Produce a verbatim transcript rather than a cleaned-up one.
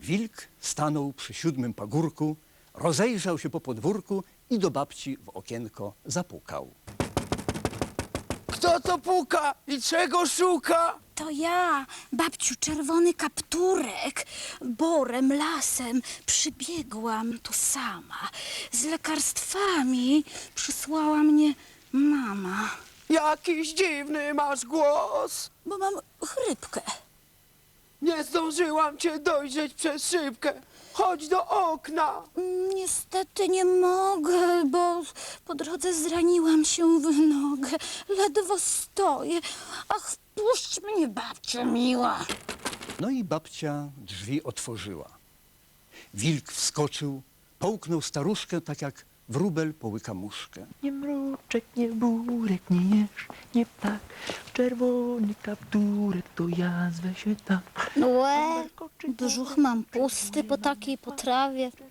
Wilk stanął przy siódmym pagórku, rozejrzał się po podwórku i do babci w okienko zapukał. Kto to puka i czego szuka? To ja, babciu, czerwony kapturek. Borem, lasem przybiegłam tu sama. Z lekarstwami przysłała mnie mama, Jakiś dziwny masz głos. bo mam chrypkę. Nie zdążyłam cię dojrzeć przez szybkę. Chodź do okna. Niestety nie mogę, bo po drodze zraniłam się w nogę. Ledwo stoję. Ach, wpuść mnie, babciu miła. No i babcia drzwi otworzyła. Wilk wskoczył, połknął staruszkę tak jak wróbel połyka muszkę. Nie mruczek, nie burek, nie jesz, nie ptak. Czerwony kapturek, to ja zwę się tak. Łe, brzuch mam pusty po takiej potrawie.